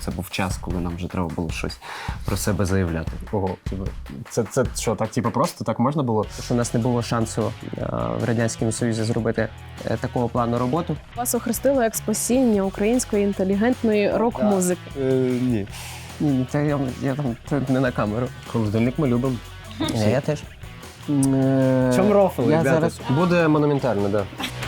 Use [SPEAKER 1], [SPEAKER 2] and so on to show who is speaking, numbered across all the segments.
[SPEAKER 1] Це був час, коли нам вже треба було щось про себе заявляти.
[SPEAKER 2] Ого, це що, так просто так можна було?
[SPEAKER 3] Що у нас не було шансу в Радянському Союзі зробити такого плану роботу.
[SPEAKER 4] Вас охрестили як спасіння української інтелігентної рок-музики.
[SPEAKER 1] Ні.
[SPEAKER 3] Ні, це я там це не на камеру.
[SPEAKER 2] Холодильник ми любимо.
[SPEAKER 3] Я теж.
[SPEAKER 2] Чому рофли,
[SPEAKER 3] Я
[SPEAKER 2] ребята?
[SPEAKER 3] зараз-
[SPEAKER 2] Буде монументально, да.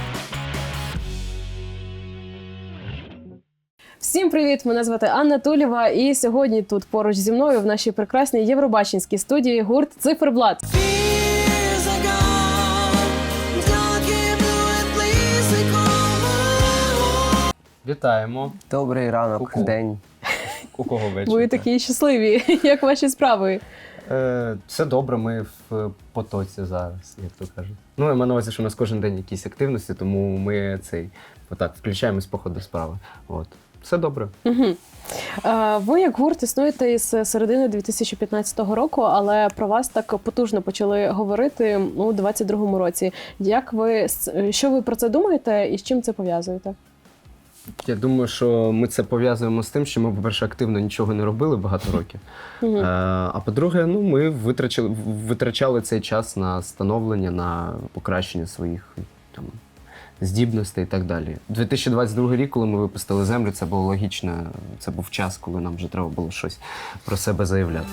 [SPEAKER 4] Всім привіт! Мене звати Анна Тулєва, і сьогодні тут поруч зі мною в нашій прекрасній євробаченській студії гурт «Циферблат».
[SPEAKER 5] Вітаємо.
[SPEAKER 3] Добрий ранок,
[SPEAKER 5] Ку-ку.
[SPEAKER 3] день.
[SPEAKER 5] У кого вечір?
[SPEAKER 4] Ви такі щасливі. Як ваші справи?
[SPEAKER 5] Все добре, ми в потоці зараз, як то кажуть. Ну, я маю на увазі, що у нас кожен день якісь активності, тому ми отак включаємось по ходу справи. От. Все добре.
[SPEAKER 4] Угу. Ви як гурт існуєте із середини 2015 року, але про вас так потужно почали говорити у 2022 році. Що ви про це думаєте і з чим це пов'язуєте?
[SPEAKER 5] Я думаю, що ми це пов'язуємо з тим, що ми, по-перше, активно нічого не робили багато років. А по-друге, ми витрачали цей час на становлення, на покращення своїх там здібностей і так далі. 2022 рік, коли ми випустили «Землю», це було логічно. Це був час, коли нам вже треба було щось про себе заявляти.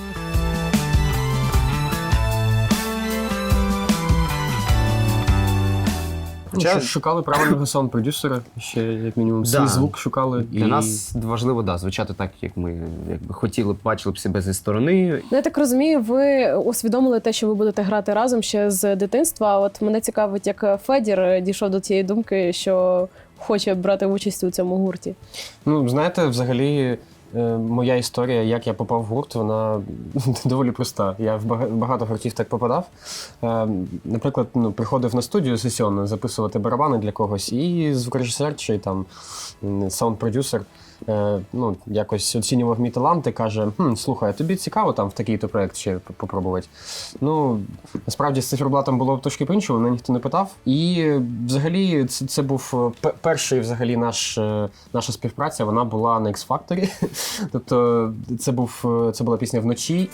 [SPEAKER 2] Шукали правильного саунд-продюсера, ще як мінімум свій звук шукали.
[SPEAKER 5] Для нас важливо, звучати так, як ми хотіли, бачили б себе зі сторони.
[SPEAKER 4] Ну, я так розумію, ви усвідомили те, що ви будете грати разом ще з дитинства. От мене цікавить, як Федір дійшов до цієї думки, що хоче брати участь у цьому гурті.
[SPEAKER 2] Ну, знаєте, взагалі, моя історія, як я попав в гурт, вона доволі проста. Я в багато гуртів так попадав. Наприклад, приходив на студію сесійно записувати барабани для когось, і звукорежисер чи там саунд-продюсер якось оцінював мій талант і каже: слухай, тобі цікаво там в такий-то проєкт ще попробувати? Ну, насправді з циферблатом було трошки по-іншому, мене ніхто не питав. І взагалі це був перший взагалі наша співпраця, вона була на X-Factor. Тобто це була пісня «Вночі».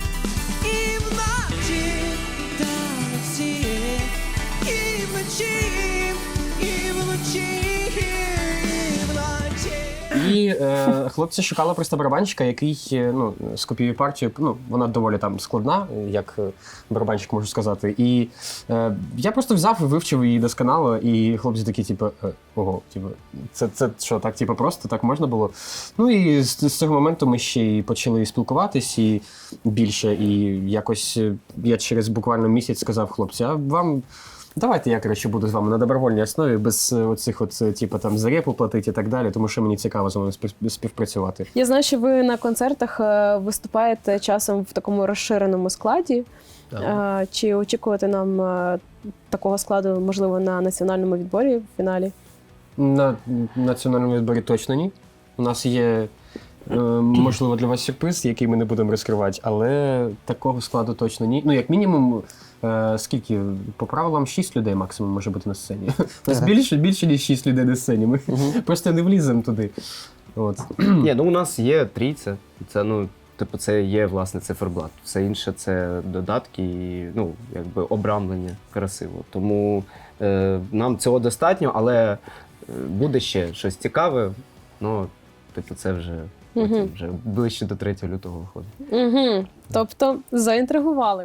[SPEAKER 2] І хлопці шукали просто барабанщика, який скопіює партію. Вона доволі там складна, як барабанщик можу сказати. І я просто взяв і вивчив її досконало, і хлопці такі, ого, це що, так просто, так можна було? Ну і з цього моменту ми ще й почали спілкуватись і більше. І якось я через буквально місяць сказав: хлопці, а вам... Давайте я, коротше, буду з вами на добровольній основі, без оцих за репу платити і так далі, тому що мені цікаво з вами співпрацювати.
[SPEAKER 4] Я знаю, що ви на концертах виступаєте часом в такому розширеному складі.
[SPEAKER 5] Так.
[SPEAKER 4] Чи очікувати нам такого складу, можливо, на національному відборі в фіналі?
[SPEAKER 2] На національному відборі точно ні. У нас є, можливо, для вас сюрприз, який ми не будемо розкривати, але такого складу точно ні. Ну, як мінімум, скільки? По правилам 6 людей максимум може бути на сцені. У нас більше ніж 6 людей на сцені. Ми просто не вліземо туди. От.
[SPEAKER 5] Ні, у нас є трійця. Це, це є, власне, циферблат. Все інше – це додатки і, обрамлення красиво. Тому нам цього достатньо, але буде ще щось цікаве, це вже... Потім вже ближче до 3 лютого виходить.
[SPEAKER 4] Тобто заінтригували.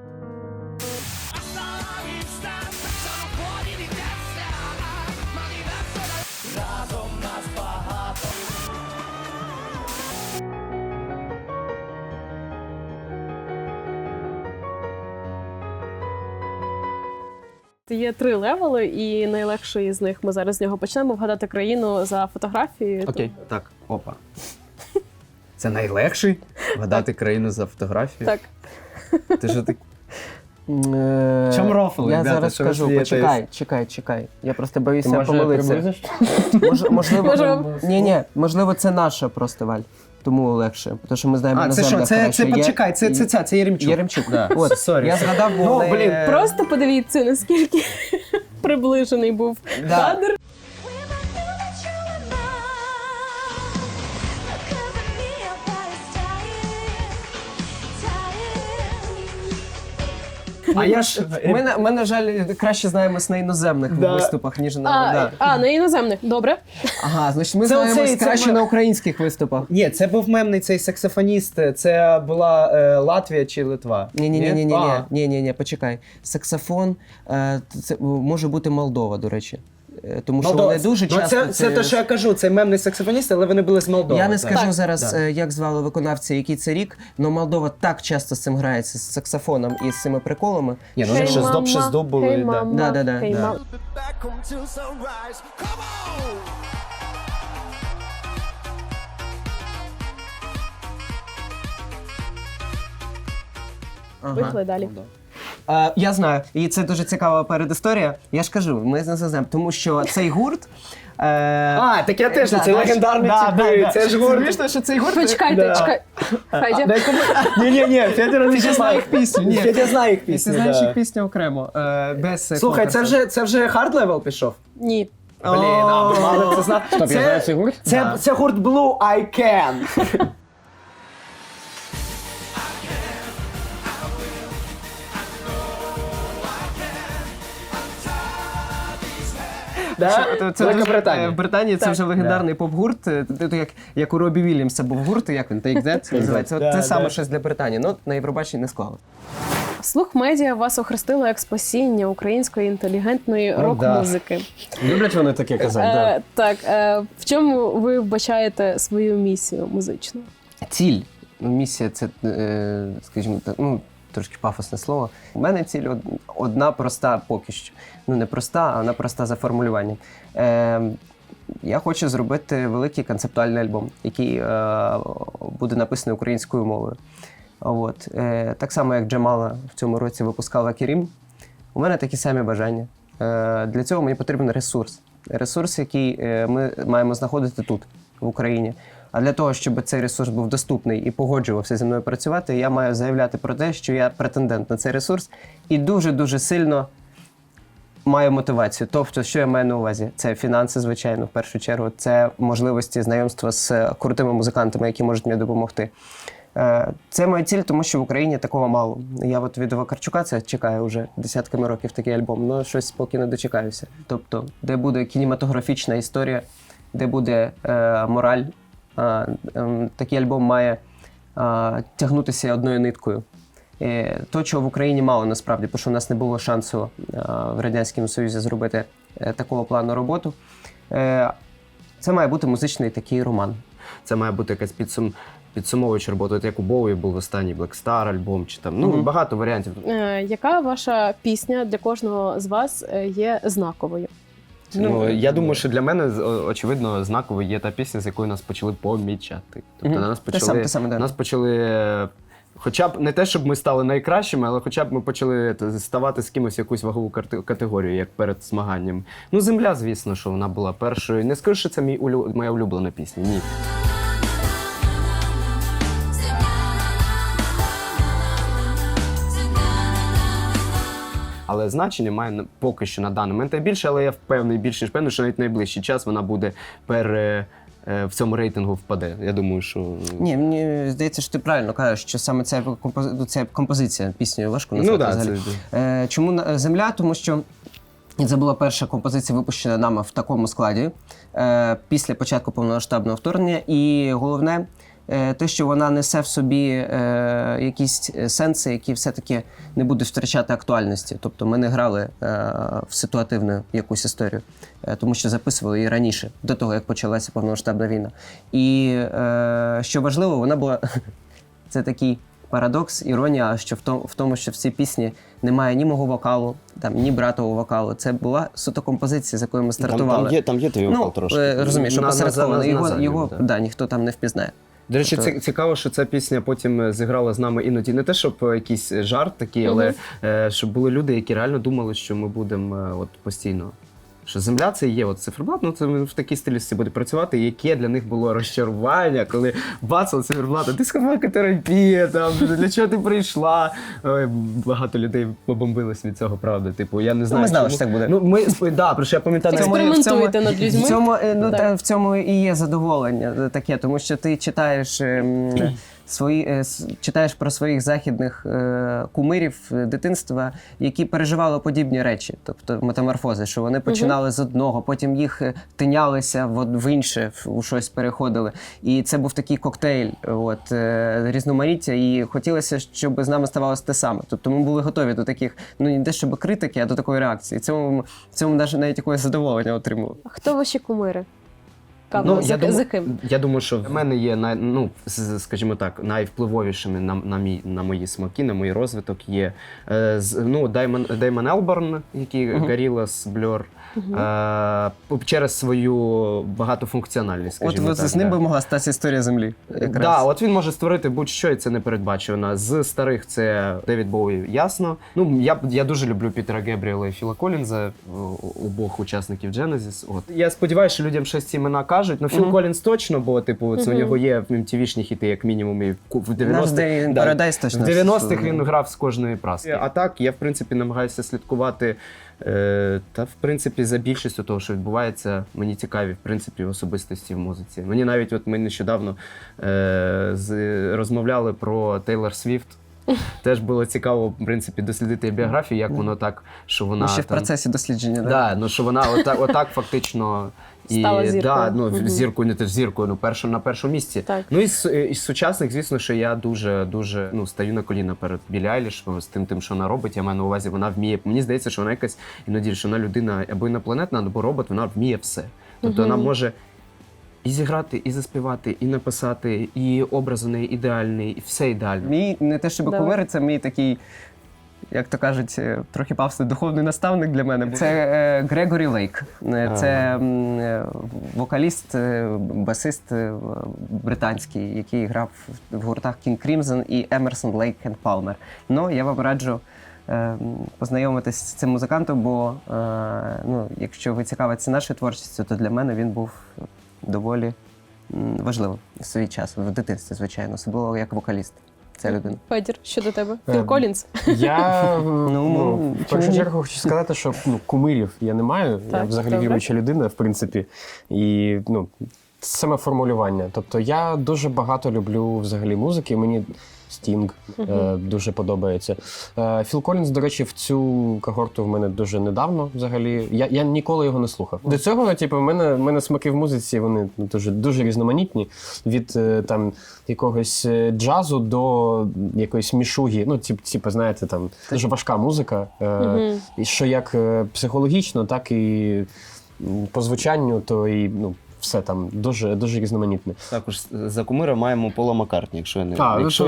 [SPEAKER 4] Є 3 левели, і найлегший з них, ми зараз з нього почнемо, вгадати країну за фотографією.
[SPEAKER 5] Окей, так, опа. Це найлегший? Вгадати країну за фотографію?
[SPEAKER 4] Так.
[SPEAKER 5] Ти ж так...
[SPEAKER 3] Чому
[SPEAKER 5] рофли,
[SPEAKER 3] Я
[SPEAKER 5] ребята?
[SPEAKER 3] зараз
[SPEAKER 5] Що ви
[SPEAKER 3] скажу,
[SPEAKER 5] смієтесь?
[SPEAKER 3] чекай. Я просто боюся помилитися. Можливо, це наша просто, Валь. Тому легше, тому що ми знаємо на землях.
[SPEAKER 5] Це Єремчук.
[SPEAKER 3] Єремчук.
[SPEAKER 5] Да.
[SPEAKER 3] От,
[SPEAKER 5] Сорі.
[SPEAKER 3] я згадав, бо
[SPEAKER 4] Просто подивіться, наскільки приближений був кадр.
[SPEAKER 2] А я ж ми, на жаль, краще знаємось на іноземних виступах, ніж на
[SPEAKER 4] на іноземних. Добре.
[SPEAKER 2] Ага, значить, ми
[SPEAKER 5] Це
[SPEAKER 2] знаємось
[SPEAKER 5] оцей- це
[SPEAKER 2] краще
[SPEAKER 5] ми-
[SPEAKER 2] на українських виступах.
[SPEAKER 5] Ні, це був мемний цей саксофоніст. Це була Латвія чи Литва?
[SPEAKER 2] Ні, почекай. Саксофон, це може бути Молдова, до речі. Тому що вони дуже часто...
[SPEAKER 5] Це те, що я кажу, це мемний саксофоніст, але вони були з Молдови.
[SPEAKER 2] Я не
[SPEAKER 5] так.
[SPEAKER 2] скажу зараз, як звали виконавця, який це рік, але Молдова так часто з цим грається, з саксофоном і з цими приколами.
[SPEAKER 5] Ні, ну вони ще з доп, ще з доп були.
[SPEAKER 4] Hey,
[SPEAKER 5] да.
[SPEAKER 4] mama.
[SPEAKER 2] Да.
[SPEAKER 4] Hey, mama.
[SPEAKER 6] Back home till sunrise. Come on!
[SPEAKER 4] Поїхали далі.
[SPEAKER 2] Я знаю, і це дуже цікава передісторія. Я ж кажу, ми з незазем, тому що цей гурт...
[SPEAKER 5] Так я теж, це легендарний типу, це ж гурт.
[SPEAKER 2] Звісно, що цей гурт...
[SPEAKER 4] Почекайте, чекай. Федя.
[SPEAKER 5] Ні, Федір не
[SPEAKER 2] Ти знає їх пісню, ні.
[SPEAKER 5] Федя знає їх
[SPEAKER 2] Ти
[SPEAKER 5] пісню,
[SPEAKER 2] знаєш
[SPEAKER 5] да.
[SPEAKER 2] їх пісню окремо, без
[SPEAKER 5] Слухай,
[SPEAKER 2] конкурсу.
[SPEAKER 5] це вже хард левел пішов?
[SPEAKER 4] Ні.
[SPEAKER 5] Блін, ви мали це знати.
[SPEAKER 2] Стоп, я знаю цей гурт?
[SPEAKER 5] Це гурт Blue I Can.
[SPEAKER 2] Це
[SPEAKER 5] Великобританія.
[SPEAKER 2] В Британії це вже легендарний поп-гурт, як у Робі Вільямса був гурт, як він, Take That називається. Це саме щось для Британії, але на Євробаченні не склало.
[SPEAKER 4] Слух медіа вас охрестило як спасіння української інтелігентної рок-музики.
[SPEAKER 2] Люблять вони таке казати,
[SPEAKER 4] Так, в чому ви вбачаєте свою місію музичну?
[SPEAKER 2] Ціль. Місія це, скажімо так, трошки пафосне слово. У мене ціль одна проста поки що. Ну, не проста, а вона проста за формулюванням. Я хочу зробити великий концептуальний альбом, який буде написаний українською мовою. От. Так само, як Джамала в цьому році випускала Керім. У мене такі самі бажання. Для цього мені потрібен ресурс. Ресурс, який ми маємо знаходити тут, в Україні. А для того, щоб цей ресурс був доступний і погоджувався зі мною працювати, я маю заявляти про те, що я претендент на цей ресурс і дуже-дуже сильно маю мотивацію. Тобто, що я маю на увазі? Це фінанси, звичайно, в першу чергу. Це можливості знайомства з крутими музикантами, які можуть мені допомогти. Це моя ціль, тому що в Україні такого мало. Я от від Вакарчука це чекаю вже десятками років такий альбом, але щось поки не дочекаюся. Тобто, де буде кінематографічна історія, де буде мораль. Такий альбом має тягнутися одною ниткою. То, чого в Україні мало насправді, тому що в нас не було шансу в Радянському Союзі зробити такого плану роботу. Це має бути музичний такий роман.
[SPEAKER 5] Це має бути якась підсумовуюча робота, от як у Боуї був останній Black Star альбом, чи там, багато варіантів.
[SPEAKER 4] Яка ваша пісня для кожного з вас є знаковою?
[SPEAKER 5] Я думаю, що для мене, очевидно, знаковою є та пісня, з якою нас почали помічати. Тобто нас почали, хоча б не те, щоб ми стали найкращими, але хоча б ми почали ставати з кимось в якусь вагову категорію, як перед змаганням. Земля, звісно, що вона була першою. Не скажу, що це моя улюблена пісня, ні. Але значення має поки що на даний момент найбільше, але я впевнений, більш ніж впевнений, що навіть найближчий час вона буде в цьому рейтингу впаде. Я думаю, що...
[SPEAKER 2] Ні, мені здається, що ти правильно кажеш, що саме ця композиція піснею важко назвати взагалі. Чому «Земля»? Тому що це була перша композиція, випущена нами в такому складі після початку повномасштабного вторгнення. І головне, те, що вона несе в собі якісь сенси, які все-таки не будуть втрачати актуальності. Тобто ми не грали в ситуативну якусь історію, тому що записували її раніше, до того, як почалася повномасштабна війна. І що важливо, вона була... Це такий парадокс, іронія, що в тому, що в цій пісні немає ні мого вокалу, ні братового вокалу. Це була суто композиція, з якою ми стартували.
[SPEAKER 5] Там є твій вокал трошки.
[SPEAKER 2] Розумієш, що посередковано. Його ніхто там не впізнає.
[SPEAKER 5] До речі, цікаво, що ця пісня потім зіграла з нами іноді. Не те, щоб якийсь жарт такий, але щоб були люди, які реально думали, що ми будемо постійно. Що «Земля» — це є циферблат, це в такій стилістиці буде працювати, яке для них було розчарування, коли бацали циферблата, дискофакотерапія, для чого ти прийшла? Ой, багато людей побомбилось від цього, правда. Я не знаю,
[SPEAKER 2] ми знали, що так буде.
[SPEAKER 5] Про що я пам'ятаю.
[SPEAKER 4] Експериментуєте над людьми.
[SPEAKER 2] В цьому і є задоволення таке, тому що ти читаєш
[SPEAKER 3] читаєш про своїх західних кумирів дитинства, які переживали подібні речі, тобто метаморфози, що вони починали з одного, потім їх тинялися в інше, у щось переходили. І це був такий коктейль різноманіття, і хотілося, щоб з нами ставалося те саме. Тобто ми були готові до таких, не те щоб критики, а до такої реакції. В цьому навіть якогось задоволення отримували.
[SPEAKER 4] А хто ваші кумири? За ким?
[SPEAKER 5] Я думаю, що в мене є скажімо так, найвпливовішими на мої смаки, на мій розвиток є Деймон Елборн, який Gorillaz, Blur, через свою багатофункціональність, скажімо так.
[SPEAKER 3] З ним би могла статися історія Землі.
[SPEAKER 5] Так, от він може створити будь-що, і це не передбачено. З старих це Девід Боуї, ясно. Я дуже люблю Пітера Гебріела і Філа Коллінза, обох учасників Genesis. Я сподіваюся, що людям щось ці імена кажуть. Філ Коллінз точно, бо це у нього є MTV-шні хіти, як мінімум, і в 90-х він грав з кожної праски. А так, я, в принципі, намагаюся слідкувати в принципі, за більшістю того, що відбувається, мені цікаві, в принципі, особистості в музиці. Мені навіть, ми нещодавно розмовляли про Тейлор Свіфт. Теж було цікаво, в принципі, дослідити біографію, як воно так, що вона...
[SPEAKER 3] ще в процесі дослідження, так?
[SPEAKER 5] Так, що вона отак фактично...
[SPEAKER 4] Стала зіркою.
[SPEAKER 5] Зіркою, не теж зіркою, на першому місці.
[SPEAKER 4] Так.
[SPEAKER 5] Із сучасних, звісно, що я дуже стаю на коліна перед Біллі Айліш з тим, що вона робить. Я маю на увазі, вона вміє. Мені здається, що вона якась іноді, що вона людина або інопланетна, або робот, вона вміє все. Тобто вона може і зіграти, і заспівати, і написати, і образ у неї ідеальний, і все ідеально.
[SPEAKER 3] Мій не те, щоб кумир, це мій такий, як то кажуть, трохи павстий духовний наставник для мене. Це Грегорі Лейк. Це вокаліст, басист британський, який грав в гуртах King Crimson і Emerson, Lake and Palmer. Я вам раджу познайомитись з цим музикантом, бо якщо ви цікавитеся нашою творчістю, то для мене він був доволі важливим в свій час, в дитинстві, звичайно, особливо як вокаліст. Ця людина.
[SPEAKER 4] Федір, що до тебе? Філ Коллінз?
[SPEAKER 2] Я в першу чергу хочу сказати, що кумирів я не маю. Я взагалі віруюча людина, в принципі. І саме формулювання. Тобто я дуже багато люблю взагалі музики. Мені Стінг дуже подобається. Філ Коллінз, до речі, в цю когорту в мене дуже недавно взагалі. Я ніколи його не слухав. До цього, в мене смаки в музиці, вони дуже різноманітні. Від якогось джазу до якоїсь мішуги. Знаєте, дуже важка музика. І що як психологічно, так і по звучанню, то і все там дуже різноманітне.
[SPEAKER 5] Також за кумира маємо Пола Маккартні, якщо я не...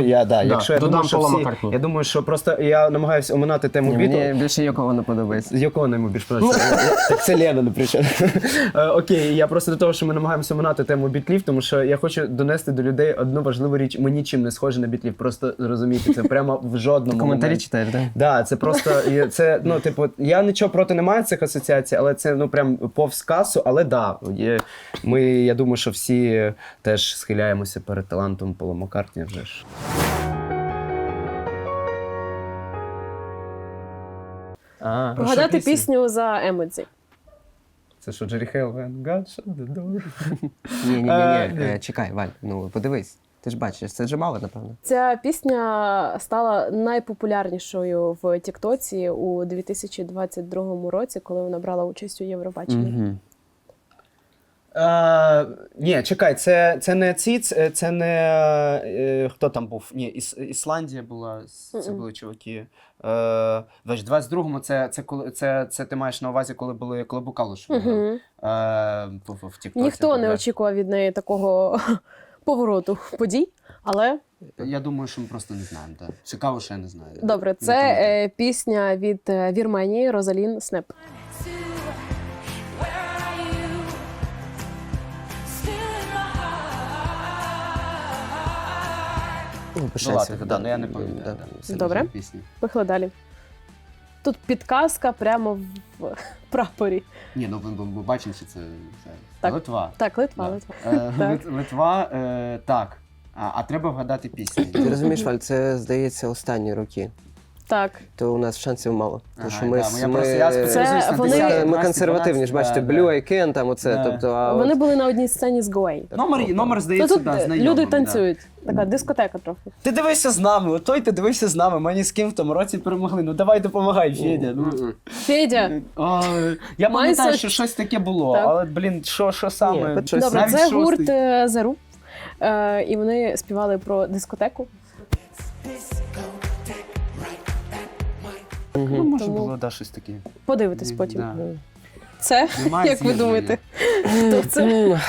[SPEAKER 2] Додам Пола Маккартні.
[SPEAKER 5] Я думаю, що просто я намагаюся оминати тему Бітлз.
[SPEAKER 3] Мені більше Йоко не подобається.
[SPEAKER 5] Йоко йому більше подобається. Так це Лена, наприклад. Окей, я просто до того, що ми намагаємося оминати тему Бітлів, тому що я хочу донести до людей одну важливу річ. Ми нічим не схожі на Бітлів, просто розумієте, це прямо в жодному
[SPEAKER 3] коментарі читаєш, так?
[SPEAKER 5] Так, це просто, я нічого проти не маю цих асоціацій, але це, прям повз касу, але я думаю, що всі теж схиляємося перед талантом Пола Маккартні вже ж.
[SPEAKER 4] Вгадати пісню за Емодзі.
[SPEAKER 5] Це що, Джері Хейл? God shut the door.
[SPEAKER 3] Ні. Чекай, Валь, подивись. Ти ж бачиш, це Джамала, напевно.
[SPEAKER 4] Ця пісня стала найпопулярнішою в Тіктоці у 2022 році, коли вона брала участь у Євробаченні.
[SPEAKER 5] Ні, чекай, це не це не хто там був? Ні, Ісландія була, це були чуваки. В 22-му це ти маєш на увазі, коли був Калуш в Тіктоці.
[SPEAKER 4] Ніхто не очікував від неї такого повороту подій, але...
[SPEAKER 5] Я думаю, що ми просто не знаємо. Так. Цікаво, що я не знаю.
[SPEAKER 4] Добре, це пісня від Вірменії Розалін Снеп.
[SPEAKER 5] Я не пам'ятаю.
[SPEAKER 4] Добре, поїхали далі. Тут підказка прямо в прапорі.
[SPEAKER 5] Ні, ми бачимо, що це Литва.
[SPEAKER 4] Так, Литва.
[SPEAKER 5] Литва, так. А треба вгадати пісню.
[SPEAKER 3] Ти розумієш, Валь, це, здається, останні роки.
[SPEAKER 4] Так.
[SPEAKER 3] То у нас шансів мало. Тому що ми консервативні, ж бачите, Blue I Can, там оце.
[SPEAKER 4] Вони були на одній сцені з Go Away.
[SPEAKER 5] Номер здається, знайомий.
[SPEAKER 4] Люди танцюють. така дискотека трохи.
[SPEAKER 7] Ти дивився з нами, отой ти дивився з нами, ми ні з ким в тому році перемогли. Ну давай допомагай, Федя. Ну.
[SPEAKER 4] Федя,
[SPEAKER 7] Я пам'ятаю,
[SPEAKER 4] Майся-
[SPEAKER 7] що щось таке було,
[SPEAKER 4] Так.
[SPEAKER 7] але, блін, що саме?
[SPEAKER 3] Ні,
[SPEAKER 7] Щось
[SPEAKER 4] добре,
[SPEAKER 7] навіть
[SPEAKER 4] це
[SPEAKER 7] шостий.
[SPEAKER 4] гурт The Roop, і вони співали про дискотеку.
[SPEAKER 7] Ну, може
[SPEAKER 4] Тому-
[SPEAKER 7] було, да, щось таке.
[SPEAKER 4] Подивитесь потім.
[SPEAKER 7] Да.
[SPEAKER 4] Це,
[SPEAKER 7] Немає
[SPEAKER 4] як ви
[SPEAKER 7] з'єднання.
[SPEAKER 4] думаєте? Хто це?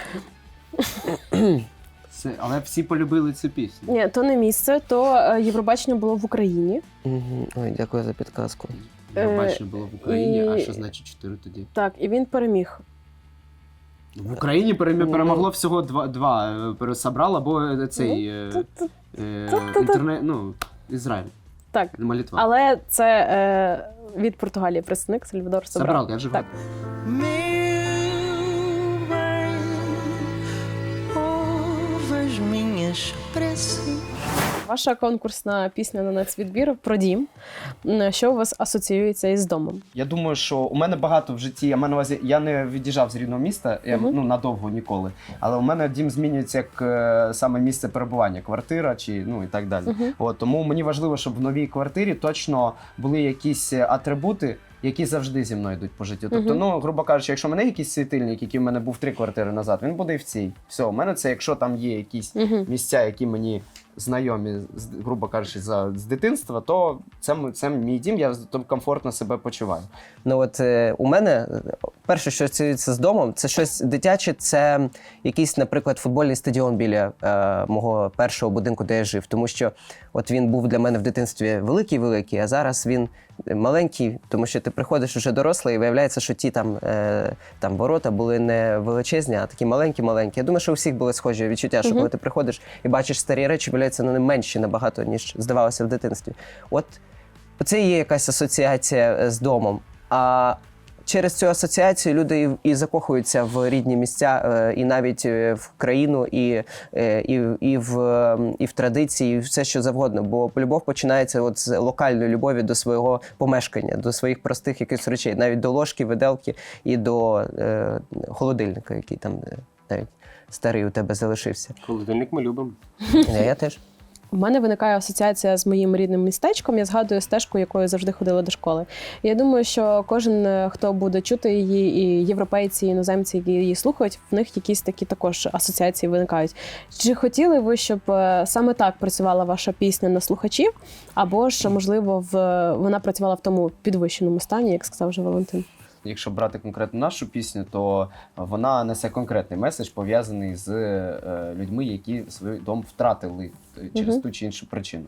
[SPEAKER 7] Але всі полюбили цю пісню.
[SPEAKER 4] Ні, то не місце, то Євробачення було в Україні.
[SPEAKER 3] Ой, дякую за підказку.
[SPEAKER 7] Євробачення було в Україні, а
[SPEAKER 4] і-
[SPEAKER 7] що значить 4 тоді?
[SPEAKER 4] Так, і він переміг.
[SPEAKER 7] В Україні перемогло всього два. Пересобрав або цей інтернет, ну, Ізраїль.
[SPEAKER 4] Так,
[SPEAKER 7] Молитва.
[SPEAKER 4] але це від Португалії представник Сальвадор Собрал.
[SPEAKER 7] Собрал, я же
[SPEAKER 4] Так. Ваша конкурсна пісня на нацвідбір про дім. Що у вас асоціюється із домом?
[SPEAKER 7] Я думаю, що у мене багато в житті, я маю на увазі, я не від'їжджав з рідного міста, ну, надовго ніколи. Але у мене дім змінюється як саме місце перебування, квартира чи ну і так далі. От, тому мені важливо, щоб в новій квартирі точно були якісь атрибути, які завжди зі мною йдуть по життю. Тобто, ну, грубо кажучи, якщо в мене якийсь світильник, який в мене був 3 квартири назад, він буде і в цій. Все, у мене це, якщо там є якісь місця, які мені знайомі, грубо кажучи, з дитинства, то це мій дім, я там комфортно себе почуваю.
[SPEAKER 3] Ну от у мене перше, що асоціюється з домом, це щось дитяче, це якийсь, наприклад, футбольний стадіон біля мого першого будинку, де я жив. Тому що от він був для мене в дитинстві великий-великий, а зараз він маленький, тому що ти приходиш уже дорослий і виявляється, що ті там ворота були не величезні, а такі маленькі-маленькі. Я думаю, що у всіх були схожі відчуття, що коли ти приходиш і бачиш старі речі, виявляється, вони менші набагато, ніж здавалося в дитинстві. От це і є якась асоціація з домом. А через цю асоціацію люди і закохуються в рідні місця, і навіть в країну, і в традиції, і все що завгодно. Бо любов починається от з локальної любові до свого помешкання, до своїх простих якихось речей, навіть до ложки, виделки і до холодильника, який там навіть старий у тебе залишився.
[SPEAKER 2] Холодильник ми любимо.
[SPEAKER 3] Я теж.
[SPEAKER 4] У мене виникає асоціація з моїм рідним містечком. Я згадую стежку, якою завжди ходила до школи. І я думаю, що кожен, хто буде чути її, і європейці, і іноземці, які її слухають, в них якісь такі також асоціації виникають. Чи хотіли ви, щоб саме так працювала ваша пісня на слухачів, або ж, можливо, вона працювала в тому підвищеному стані, як сказав вже Валентин?
[SPEAKER 7] Якщо брати конкретно нашу пісню, то вона несе конкретний меседж, пов'язаний з людьми, які свій дом втратили через ту чи іншу причину.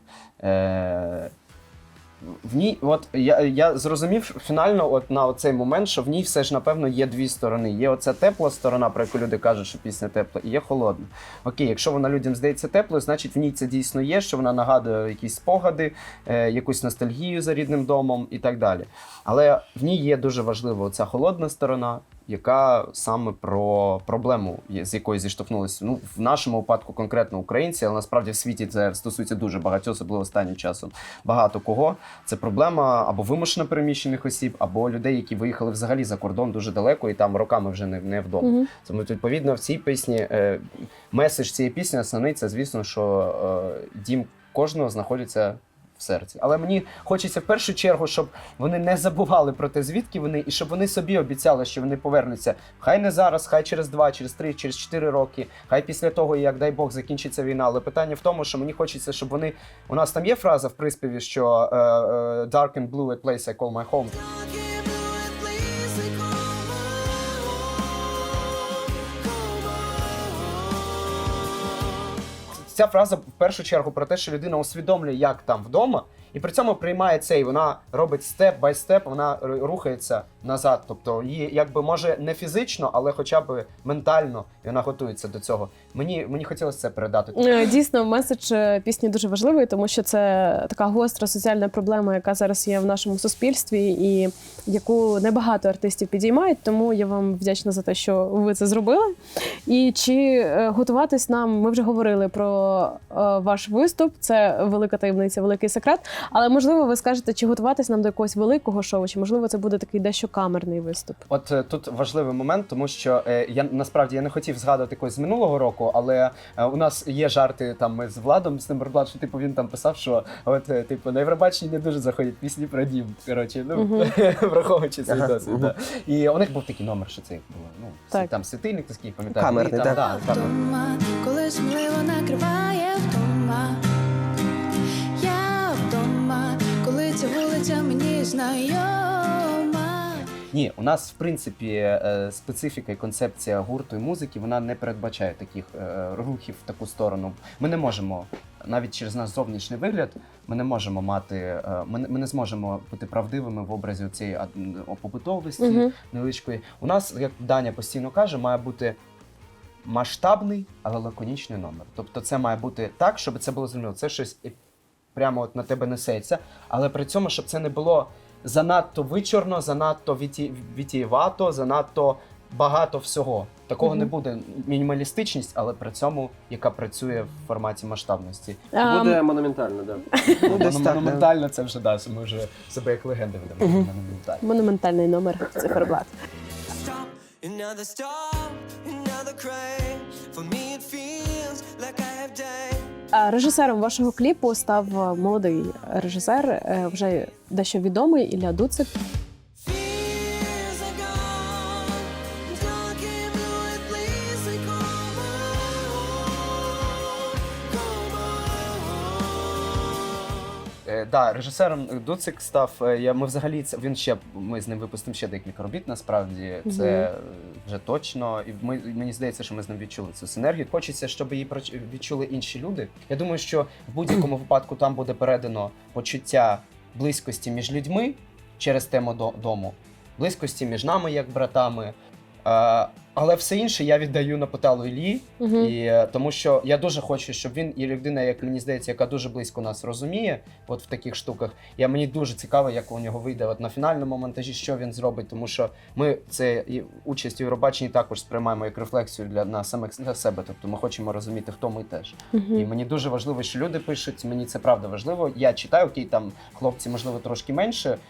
[SPEAKER 7] В ній, от я зрозумів фінально от на цей момент, що в ній все ж, напевно, є дві сторони. Є оця тепла сторона, про яку люди кажуть, що пісня тепла, і є холодна. Окей, якщо вона людям здається теплою, значить в ній це дійсно є, що вона нагадує якісь спогади, якусь ностальгію за рідним домом і так далі. Але в ній є дуже важлива оця холодна сторона, яка саме про проблему, з якою зіштовхнулися. Ну, в нашому випадку конкретно українці, але насправді в світі це стосується дуже багатьох, особливо останнім часом. Багато кого. Це проблема або вимушено переміщених осіб, або людей, які виїхали взагалі за кордон дуже далеко і там роками вже не вдома. Тому, відповідно, в цій пісні, меседж цієї пісні основний, це, звісно, що дім кожного знаходиться в серці. Але мені хочеться в першу чергу, щоб вони не забували про те, звідки вони, і щоб вони собі обіцяли, що вони повернуться. Хай не зараз, хай через 2, через 3, через 4 роки, хай після того, як, дай Бог, закінчиться війна. Але питання в тому, що мені хочеться, щоб вони... У нас там є фраза в приспіві, що «Dark and blue, a place I call my home». Ця фраза в першу чергу про те, що людина усвідомлює, як там вдома, і при цьому приймає це, і вона робить степ бай степ, вона рухається назад. Тобто її, якби, може, не фізично, але хоча б ментально, і вона готується до цього. Мені хотілося це передати.
[SPEAKER 4] Дійсно, меседж пісні дуже важливий, тому що це така гостра соціальна проблема, яка зараз є в нашому суспільстві, і яку небагато артистів підіймають, тому я вам вдячна за те, що ви це зробили. І чи готуватись нам, ми вже говорили про ваш виступ, це велика таємниця, великий секрет, але, можливо, ви скажете, чи готуватись нам до якогось великого шоу, чи, можливо, це буде такий дещо камерний виступ?
[SPEAKER 7] От тут важливий момент, тому що насправді я не хотів згадувати якось з минулого року, року, але у нас є жарти там ми з Владом, з Нумерблат, що типу він там писав, що от типу на Євробаченні не дуже заходять пісні про дім. Коротше, ну враховуючи цей досвід. Да. І у них був такий номер, що це як було. Ну,
[SPEAKER 4] Так.
[SPEAKER 7] там світильник такий, пам'ятаю.
[SPEAKER 3] Камерний,
[SPEAKER 7] і
[SPEAKER 3] так.
[SPEAKER 7] там, да, камерний.
[SPEAKER 8] Вдома, коли сміливо накриває вдома. Я вдома, коли ця вулиця мені знайома.
[SPEAKER 7] Ні, у нас в принципі специфіка і концепція гурту і музики вона не передбачає таких рухів в таку сторону. Ми не можемо навіть через наш зовнішній вигляд, ми не можемо мати, ми не зможемо бути правдивими в образі цієї побутовості невеличкої. У нас, як Даня постійно каже, має бути масштабний, але лаконічний номер. Тобто це має бути так, щоб це було зрозуміло. Це щось прямо от на тебе несеться, але при цьому, щоб це не було занадто вичорно, занадто вітієвато, занадто багато всього. Такого не буде. Мінімалістичність, але при цьому, яка працює в форматі масштабності.
[SPEAKER 2] Буде монументально, так.
[SPEAKER 3] Ну, десь так, да.
[SPEAKER 7] Монументально це вже да, ми вже себе як легенди ведемо. Монументально.
[SPEAKER 4] Монументальний номер циферблат.
[SPEAKER 6] Stop, another stop, another crave. For me it feels like I have died.
[SPEAKER 4] Режисером вашого кліпу став молодий режисер, вже дещо відомий Ілля Дуцик.
[SPEAKER 6] Fears are gone. Dark and blue, it please me, come on, come on.
[SPEAKER 7] Да, режисером Дуцик став. Ми взагалі ми з ним випустимо ще декілька робіт. Насправді це вже точно. І мені здається, що ми з ним відчули цю синергію. Хочеться, щоб її відчули інші люди. Я думаю, що в будь-якому випадку там буде передано почуття близькості між людьми через тему дому, близькості між нами як братами. Але все інше я віддаю на поталу Іллі, і тому що я дуже хочу, щоб він і людина, як мені здається, яка дуже близько нас розуміє, от в таких штуках. Мені дуже цікаво, як у нього вийде от на фінальному монтажі, що він зробить, тому що ми це участь у Євробаченні також сприймаємо як рефлексію для себе. Тобто ми хочемо розуміти, хто ми теж. І мені дуже важливо, що люди пишуть. Мені це правда важливо. Я читаю, окей, там хлопці, можливо, трошки менше.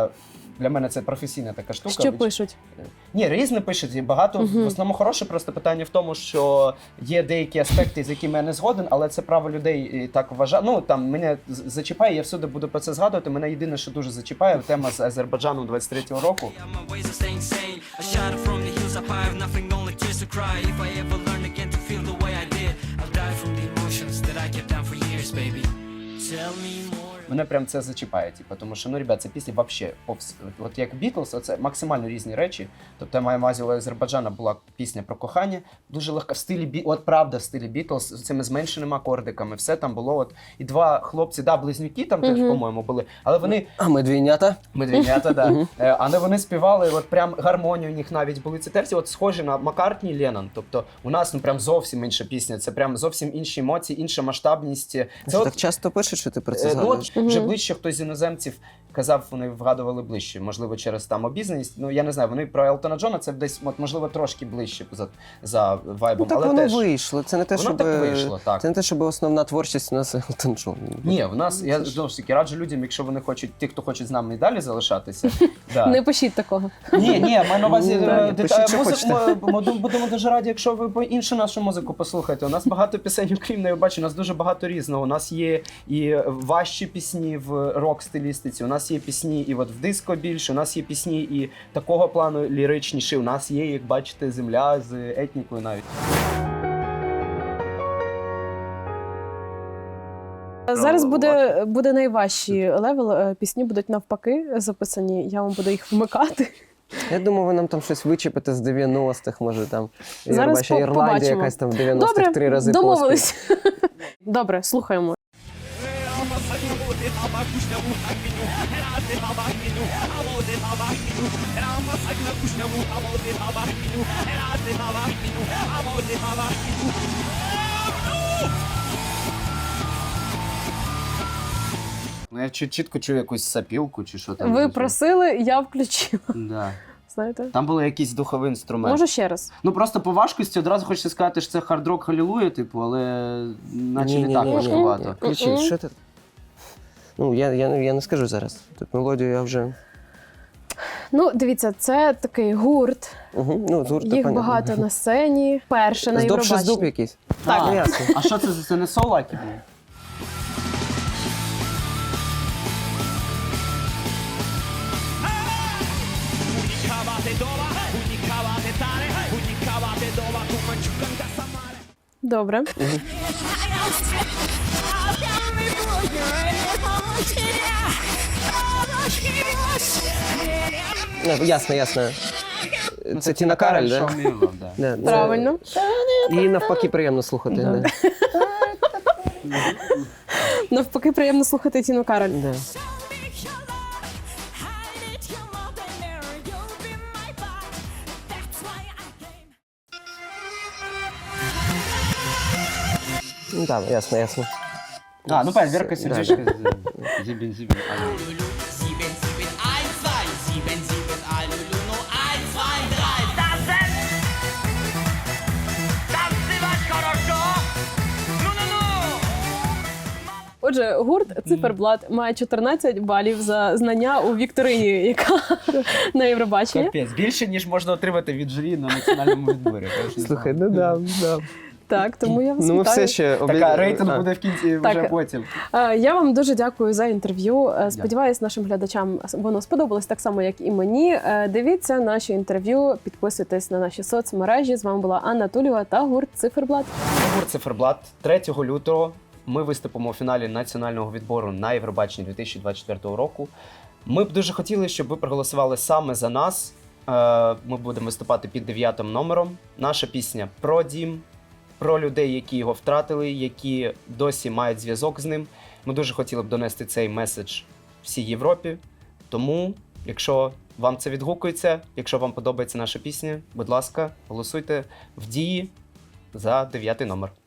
[SPEAKER 7] Для мене це професійна така штука.
[SPEAKER 4] Що пишуть?
[SPEAKER 7] Ні, різне пишуть, і багато. В основному хороше, просто питання в тому, що є деякі аспекти, з якими я не згоден, але це право людей і так вважає. Ну, там, мене зачіпає, я всюди буду про це згадувати. Мене єдине, що дуже зачіпає, тема з Азербайджаном 23-го року.
[SPEAKER 6] My ways are staying sane. I shot from the hills up high, have nothing, only tears to cry. If I ever learn again to feel the way I did, I'll die from the emotions that I kept down for years, baby. Tell me more.
[SPEAKER 7] Мене прям це зачіпає, тому що, ну, ребят, це після вообще, от як Бітлз, це максимально різні речі. Тобто, я маю на увазі, у Азербайджана була пісня про кохання, дуже легка, в стилі, от правда, в стилі Бітлз, з цими зменшеними акордиками, все там було, от, і два хлопці, да, близнюки там теж, по-моєму, були, але вони...
[SPEAKER 3] А ми двійнята?
[SPEAKER 7] Медвінята, да. Але вони співали, от прям гармонію у них навіть були ці терці, от схожі на Маккартні і Леннон. Тобто у нас, ну, прям зовсім інша пісня, це прям зовсім інші емоції, інша масштабність. Це
[SPEAKER 3] Так часто пишуть, що ти про це
[SPEAKER 7] ну,
[SPEAKER 3] згадуєш?
[SPEAKER 7] от вже ближче хтось з іноземців казав, вони вгадували ближче, можливо, через там обізнаність. Ну, я не знаю, вони про Елтона Джона, це десь, от, можливо, трошки ближче за вайбом,
[SPEAKER 3] Ну, так
[SPEAKER 7] але
[SPEAKER 3] воно
[SPEAKER 7] теж...
[SPEAKER 3] вийшло. Це не те,
[SPEAKER 7] Воно
[SPEAKER 3] щоб...
[SPEAKER 7] так вийшло, так.
[SPEAKER 3] Це не те, щоб основна творчість у нас Елтон Джон.
[SPEAKER 7] Ні, в нас, я знову ж таки раджу людям, якщо вони хочуть, ті, хто хочуть з нами і далі залишатися. Да.
[SPEAKER 4] Не пишіть такого.
[SPEAKER 7] Ні, маю на увазі,
[SPEAKER 3] пишіть, що хочете.
[SPEAKER 7] ми будемо дуже раді, якщо ви іншу нашу музику послухаєте. У нас багато пісень, окрім не бачу, у нас дуже багато різного. У нас є і важчі пісні в рок-стилістиці, у нас є пісні і от в диско більше, у нас є пісні і такого плану ліричніші, у нас є, як бачите, земля з етнікою навіть.
[SPEAKER 4] Зараз буде найважчий левел. Пісні будуть навпаки записані. Я вам буду їх вмикати.
[SPEAKER 3] Я думаю, ви нам там щось вичепите з 90-х, може там
[SPEAKER 4] Зараз
[SPEAKER 3] ваша Ірландія
[SPEAKER 4] побачимо.
[SPEAKER 3] якась там в 90-х 3 рази
[SPEAKER 4] домовились. Добре, слухаємо.
[SPEAKER 7] Ну, я чітко чую якусь сапілку чи що там.
[SPEAKER 4] Ви просили, я включила.
[SPEAKER 7] Да.
[SPEAKER 4] Знаєте?
[SPEAKER 7] Там були якісь духовий інструмент.
[SPEAKER 4] Можу ще раз.
[SPEAKER 7] Ну просто по важкості одразу хочеться сказати, що це хард-рок Халілуя, типу, але наче не так важкувато.
[SPEAKER 3] Ключі, що ти? Ну, я не скажу зараз. Тут мелодію я вже...
[SPEAKER 4] Ну, дивіться, це такий гурт.
[SPEAKER 3] Угу. Ну, гурт,
[SPEAKER 4] Їх
[SPEAKER 3] понятно.
[SPEAKER 4] багато на сцені. Перше на
[SPEAKER 3] Здоб ще здоб
[SPEAKER 4] Євробаченні.
[SPEAKER 3] якийсь.
[SPEAKER 4] Так.
[SPEAKER 3] Ну, ясно.
[SPEAKER 7] А що це за це не солаки?
[SPEAKER 4] Добре.
[SPEAKER 3] Ясно, ясно. Це Тіна Кароль, да? Да, це-
[SPEAKER 4] Правильно.
[SPEAKER 3] І навпаки приємно слухати. Да.
[SPEAKER 4] Навпаки, приємно слухати Тіну Кароль.
[SPEAKER 3] Да. Ну, так, ясно, ясно.
[SPEAKER 7] А, ну понятно, Вірка Сердючка.
[SPEAKER 5] Зібін, зібін.
[SPEAKER 4] Отже, гурт Циферблат має 14 балів за знання у вікторині, яка на Євробаченні.
[SPEAKER 7] Капець, більше, ніж можна отримати від журі на національному відборі. Я ж не
[SPEAKER 3] Слухай,
[SPEAKER 7] знав.
[SPEAKER 3] ну да.
[SPEAKER 4] Так, тому я вас
[SPEAKER 3] Ну, ми
[SPEAKER 4] вітаю.
[SPEAKER 3] все ще
[SPEAKER 7] Така рейтинг буде в кінці
[SPEAKER 4] Так.
[SPEAKER 7] вже потім.
[SPEAKER 4] Я вам дуже дякую за інтерв'ю. Сподіваюсь, нашим глядачам воно сподобалось так само, як і мені. Дивіться наші інтерв'ю, підписуйтесь на наші соцмережі. З вами була Анна Тулєва та гурт Циферблат.
[SPEAKER 7] Гурт Циферблат 3 лютого ми виступимо у фіналі національного відбору на Євробаченні 2024 року. Ми б дуже хотіли, щоб ви проголосували саме за нас. Ми будемо виступати під 9 номером. Наша пісня про дім, про людей, які його втратили, які досі мають зв'язок з ним. Ми дуже хотіли б донести цей меседж всій Європі. Тому, якщо вам це відгукується, якщо вам подобається наша пісня, будь ласка, голосуйте в дії за 9 номер.